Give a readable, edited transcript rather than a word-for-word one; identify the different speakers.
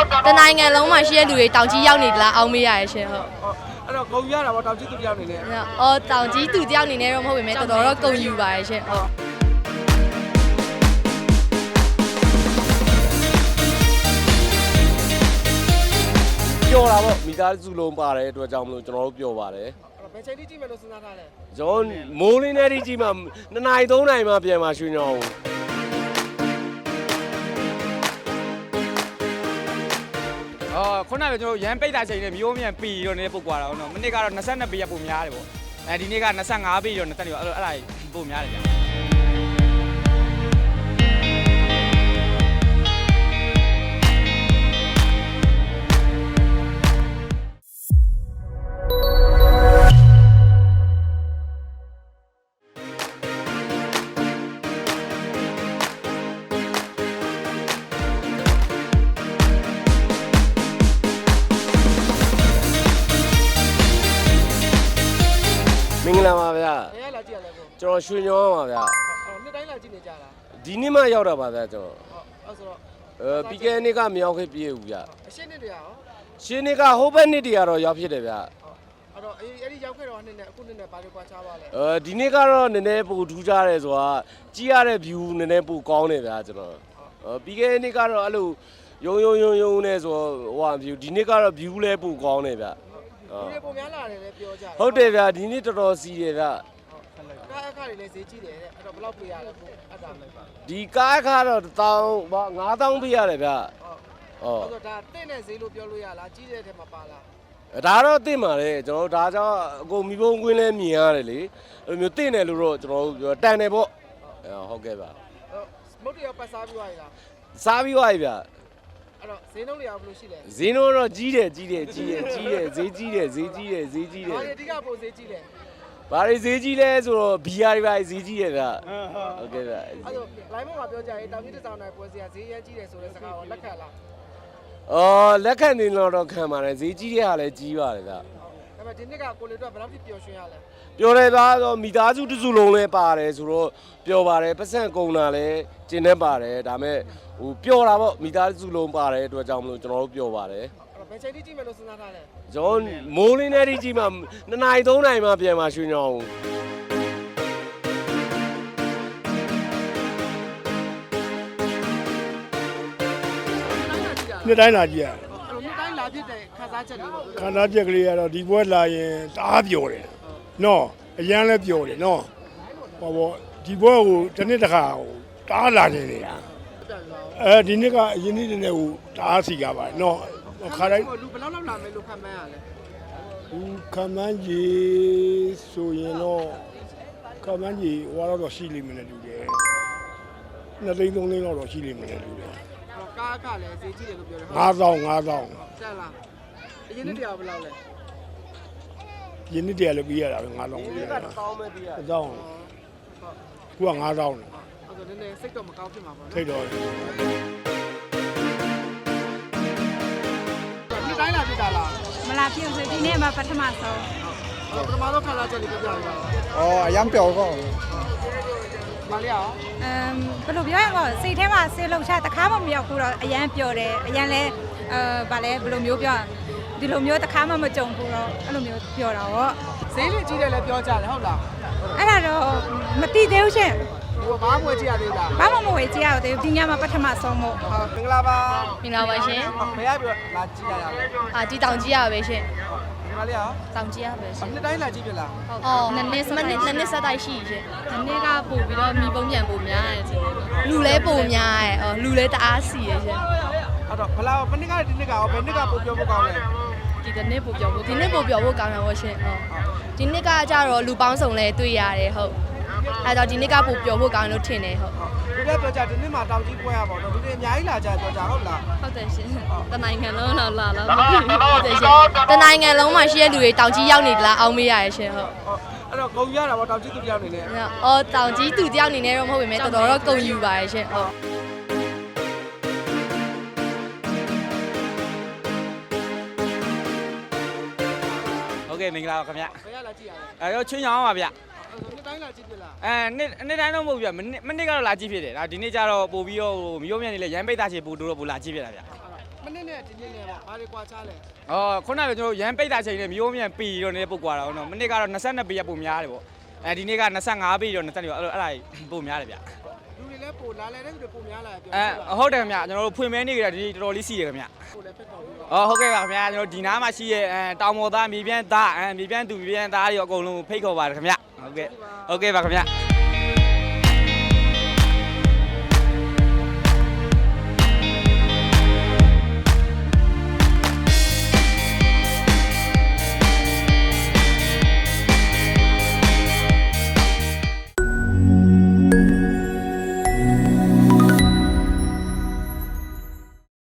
Speaker 1: တနိုင်ငံလုံးမှာရှိတဲ့လူတွေတောင်ကြီးရောက်နေသလားအောင်းမေးရရရှင်ဟုတ်
Speaker 2: အဲ့တော့ဂုံရတာပေါ့တောင်ကြီးသူတယောက်နေနဲ့
Speaker 1: အော်တောင်ကြီးသူတယောက်နေနဲ့တော့မဟုတ်ပေမဲ့တော်တော်တော့ဂုံယူပါရရှင်ဟုတ်
Speaker 3: ပျော်တာပေါ့မိသားစုလုံးပါတယ်အတွက်ကြောင့်မလို့ကျွန်တော်တို့ပျော်ပါတယ်
Speaker 2: ဘယ်ချိန်ထိကြည့်မယ်လို့စဉ်းစားထားလဲ
Speaker 3: ကျွန်တော်မိုးလင်းတဲ့ကြီးမှ2 နာရီ 3 နာရီမှပြန်มาရွှေညောင်း
Speaker 4: ခုနကကျွန်တော်ရန်ပိတ်တာချိန်နဲ့မျိုးမြန်ပီတော့နေပုတ်ကွာတာနော်မနေ့ကတော့22ပီရပုံများတယ်ပေါ့ဒီနေ့က25ပီတော့20ရောအဲ့ဒါပုံများတယ်ဗျ
Speaker 3: မင်္ဂလာပါဗျာ
Speaker 2: ဘယ်လာကြည့်ရလဲကို
Speaker 3: ကျွန်တော်ရွှေညောင်းပါဗျာ
Speaker 2: နှစ်တိုင်းလာကြည့်နေကြတာ
Speaker 3: ဒီနေ့မှရောက်တာပါဗျာကျွန်တော်
Speaker 2: အဲ့ဆိုတော့
Speaker 3: ပြီးခဲ့တဲ့နေ့ကမရောက်ခဲ့ပြေဘူးဗျာ
Speaker 2: အရှင်းနှစ်တရာရော
Speaker 3: ရှင်းနေ့ကဟိုဘက်နေ့တရာတော့ရောက်ဖြစ်တယ်ဗျာ
Speaker 2: အဲ့တော့အဲ့ဒီရောက်ခဲ့တော့နှစ်နဲ့အခုနှစ်နဲ့ဘာလို့ကွာခြားပါလဲ
Speaker 3: ဒီနေ့ကတော့နည်းနည်းပိုထူးခြားတယ်ဆိုတာကြည့်ရတဲ့ view နည်းနည်းပိုကောင်းတယ်ဗျာကျွန်တော်ပြီးခဲ့တဲ့နေ့ကတော့အဲ့လိုယုံနဲ့ဆိုဟို view ဒီနေ့ကတော့ view လဲပိုကောင်းတယ်ဗျာ
Speaker 2: လူတွေပုံများလာတယ်လည်းပြောကြတယ်
Speaker 3: ဟုတ်တယ်ဗျာဒီနေ့တော်တော်စီးတယ်ဗျာ
Speaker 2: ကားအခါတွေလည်းဈေးကြီးတယ်တဲ့အဲ့တော့ဘယ်လောက်ပေးရလဲကိုအဲ့ဒါလိုက်ပါ
Speaker 3: ဒီကားအခါတော့1000 ပေးရတယ်ဗျာ
Speaker 2: ဟုတ်အဲ့တော့ဒါတင့်တဲ့ဈေးလို့ပြောလို့ရလားကြီးတဲ့ထဲမှာပါလား
Speaker 3: ဒါတော့တင့်ပါလေကျွန်တော်ဒါကြောင့်အကုန်မိဘုံကွင်းလဲမြင်ရတယ်လေအဲ့လိုမျိုးတင့်တယ်လို့တော့ကျွန်တော်တို့တန်တယ်ပေါ့ဟုတ်ကဲ့ဗျာ
Speaker 2: မုတ်တရပတ်စားပြီးသွားရလား
Speaker 3: စားပြီးသွားပြီဗျာ
Speaker 2: အဲ့တော့ဈေးနှုန်းတွေရောဘယ်လိုရှိလဲ
Speaker 3: ဈေးနှုန်းတော့ကြီးတယ်ဈေးကြီးတယ်
Speaker 2: ဈေးကြီးတယ်ဘာတွေအဓိကပိုဈေးကြီးလဲ
Speaker 3: ဘာတွေဈေးကြီးလဲဆိုတော့ဘီယာတွေပါဈေးကြီးတယ်ဗျဟုတ်ကဲ့ဗျ
Speaker 2: အဲ့တော့ line မှာပြောကြရင်တောင်ကြီးတစ်ဆောင်တိုင်းပွဲစရာဈေးရမ်းကြီးတယ်ဆိုတဲ့စကားကိုလက်ခံလား
Speaker 3: လက်ခံနေတော့ခံပါတယ်ဈေးကြီးတဲ့ဟာလည်းကြီးပါတယ်ဗျ
Speaker 2: ဒါပေမဲ့ဒီနှစ်ကကိုလေတော့ဘယ်လောက်ထိပျော်ရွှင်ရလဲ
Speaker 3: ပျော်တယ်သားဆိုမိသားစုတစ်စုလုံးလဲပါတယ်ဆိုတော့ပျော်ပါတယ်ပတ်စံကုန်တာလည်းကျင်းနေပါတယ်ဒါပေမဲ့ဟိုပျော်တာပေါ့မိသားစုလုံးပါတယ်အတွက်ကြောင့်မလို့ကျွန်တော်တို့ပျော်ပါတယ်
Speaker 2: ဘယ်ချိန်ထိကြည့်မယ်လို့စဉ်းစားထားလဲ
Speaker 3: ကျွန်တော်မိုးလင်းတဲ့ကြီးမှ2 နာရီ 3 နာရီမှပြန်มาရွှေညောင်း
Speaker 5: နှစ်တိုင်းလာကြည့်ရ
Speaker 2: နှစ်တိုင်းလာဖြစ်တဲ့ခန်းစားချက်တွေပေါ့
Speaker 5: ခန်းစားချက်ကလေးကတော့ဒီဘွဲလာရင်တအားပျော်တယ်နော်အရန်လည်းပျော်တယ်နော်ဟောပေါ့ဒီဘွဲကိုတစ်နှစ်တစ်ခါဟိုတအားလာနေနေတာဒီနှစ်ကအရင်နှစ်နဲ့ဟိုတအားစီကားပါတယ်နော်
Speaker 2: ခါတိုင်းလူဘယ်လောက်လောက်လာမယ်လို့ခံမှန်းရလဲ
Speaker 5: ခံမှန်းကြီးဆိုရင်တော့ခံမှန်းကြီးဟိုတော့ရှိလိမ့်မယ်နဲ့တူတယ်2 သိန်း 3 သိန်းတော့ရှိလိမ့်မယ်နဲ့တူတယ်
Speaker 2: ကားအခါလည်းဈေးကြီးတယ်လို့ပြောတယ်
Speaker 5: 5000
Speaker 2: ဆက်လားအရင်နှစ်တရာဘယ်လောက်လဲ
Speaker 5: ရင်းနှစ်တရာလည်းပြီးရတာပဲ9000
Speaker 3: ပေးရတာ1000ပဲပေးရ
Speaker 5: 1000ခုက9000
Speaker 2: အဲ့ဒါနည်းနည်းစိတ်တော့မကောင်းဖြစ်မှာပေါ့နော်
Speaker 5: စိတ်တော့
Speaker 2: နှစ်တိုင်းလာဖြစ်တာလား
Speaker 1: မလာဖြစ်ဘူးဒီနေ့မှပထမဆုံး
Speaker 2: ပထမဆုံးခါလာချက်လေးပြပြရအောင်
Speaker 5: အရန်ပျော်တော့
Speaker 2: မလေးအောင်
Speaker 1: ဘယ်လိုပြောရမလဲစိတ်ထဲမှာဆေးလှုပ်ရှားတခါမှမရောက်ဘူးတော့အရန်ပျော်တယ်အရန်လဲဗာလဲဘယ်လိုမျိုးပြောဒီလိုမျိုးတခါမှမကြုံဘူးတော့အဲ့လိုမျိုးပြောတာပေါ့
Speaker 2: ဈေးလေးကြီးတယ်လည်းပြောကြတယ်ဟုတ်လား
Speaker 1: အဲ့ဒါတော့မတိသေးဘူးရှင်
Speaker 2: ဟိုဘာမှမဝယ်ကြည့်ရသေးလား
Speaker 1: ဘာမှမဝယ်ကြည့်ရသေးဘူးဒီညမှာပထမဆုံးမို့
Speaker 2: ဟုတ်မင်္ဂလာပါ
Speaker 1: မင်္ဂလာပါရှင်
Speaker 2: ဘယ်ရပြီးလာကြည့်ရရလဲ
Speaker 1: ဒီတောင်ကြီးရပဲရှင်
Speaker 2: ဒီမလေးအောင်
Speaker 1: တောင်ကြီးရပဲရှင်
Speaker 2: နှစ်တိုင်းလာကြည့်ပြလား
Speaker 1: ဟုတ်နှစ်နှစ်ဆက်တိုက်ရှိရှင်ဒီနေ့ကပို့ပြီးတော့မိပုံပြန်ပို့များတယ်ရှင်လူလဲပို့များတယ်လူလဲတအားစီရရှင်
Speaker 2: အဲ့တော့ဘယ်လောက်ဘယ်နှစ်ကဒီနှစ်ကရောဘယ်နှစ်ကပို့ပြောဖို့ကောင်းလဲ
Speaker 1: ဒီနေ့ပို့ပြောဖို့ဒီနေ့ပို့ပြောဖို့ကောင်းတယ်ဟုတ်ရှင်ဟုတ်ဒီနေ့ကကြတော့လူပေါင်းစုံလဲတွေ့ရတယ်ဟုတ်အဲ့တော့ဒီနေ့ကပို့ပြောဖို့ကောင်းလို့ထင်တယ်ဟုတ်
Speaker 2: ဒီနေ့ပြောကြဒီနေ့မှာတောင်ကြီးပွဲရပါတော့ဒီနေ့အများကြီးလာကြပြောကြဟုတ်လား
Speaker 1: ဟုတ်တယ်ရှင်တနိုင်ငံလုံးလာဟုတ်တယ်ရှင်တနိုင်ငံလုံးမှာရှိတဲ့လူတွေတောင်ကြီးရောက်နေသလားအောင်းမေးရရရှင်ဟုတ်
Speaker 2: အဲ့တော့ဂုံရတာပေါ့တောင်ကြီးသူတယောက်နေနဲ့
Speaker 1: တောင်ကြီးသူတယောက်နေနဲ့တော့မဟုတ်ပေမဲ့တော်တော်တော့ဂုံယူပါရရှင်ဟုတ်
Speaker 4: ဟုတ်ကဲ့မင်္ဂလာပါခင်ဗျ
Speaker 2: ဘယ်ရလာကြည့်ရလဲ
Speaker 4: အဲ့တော့ချွင်းရောင်းပါဗျ
Speaker 2: နှစ်တိုင်းလာကြည့်ပြလား
Speaker 4: နှစ်တိုင်းတော့မဟုတ်ဗျမနေ့ကတော့လာကြည့်ဖြစ်တယ်ဒါဒီနေ့ကျတော့ပို့ပြီးတော့မျိုးမြန်နေလဲရန်ပိတ်သားချေပို့တော့ပို့လာကြည့်ဖြစ်တာဗျ
Speaker 2: မနေ့နဲ့ဒီနေ့နဲ့ပါဘာတွေကွာခြားလဲ
Speaker 4: ခုနကကျွန်တော်ရန်ပိတ်တာချိန်နဲ့မျိုးမြန်ပီတော့နေပုတ်ကွာတာနော်မနေ့ကတော့22ပေရပုံများတယ်ပေါ့ဒီနေ့က25ပေတော့20တော့အဲ့ဒါပုံများတယ်ဗျ
Speaker 2: လူတွေလည်းပိုလာလဲတဲ့လူတွေပိုများလာပြော
Speaker 4: ဟုတ်တယ်ခင်ဗျကျွန်တော်တို့ဖွင့်မဲနေကြဒီတော်တော်လေးစီတယ်ခင်ဗျ
Speaker 2: ပိုလည်းဖက်တော်ပြီးတော့
Speaker 4: ဟုတ်ကဲ့ပါခင်ဗျာကျွန်တော်ဒီနားမှာရှိရဲ့တောင်ပေါ်သားမြေပြန့်သားမြေပြန့်သူမြေပြန့်သားတွေအကုန်လုံးဖိတ်ခေါ်ပါတယ်ခင်ဗျဟုတ်ကဲ့ပါခင်ဗျ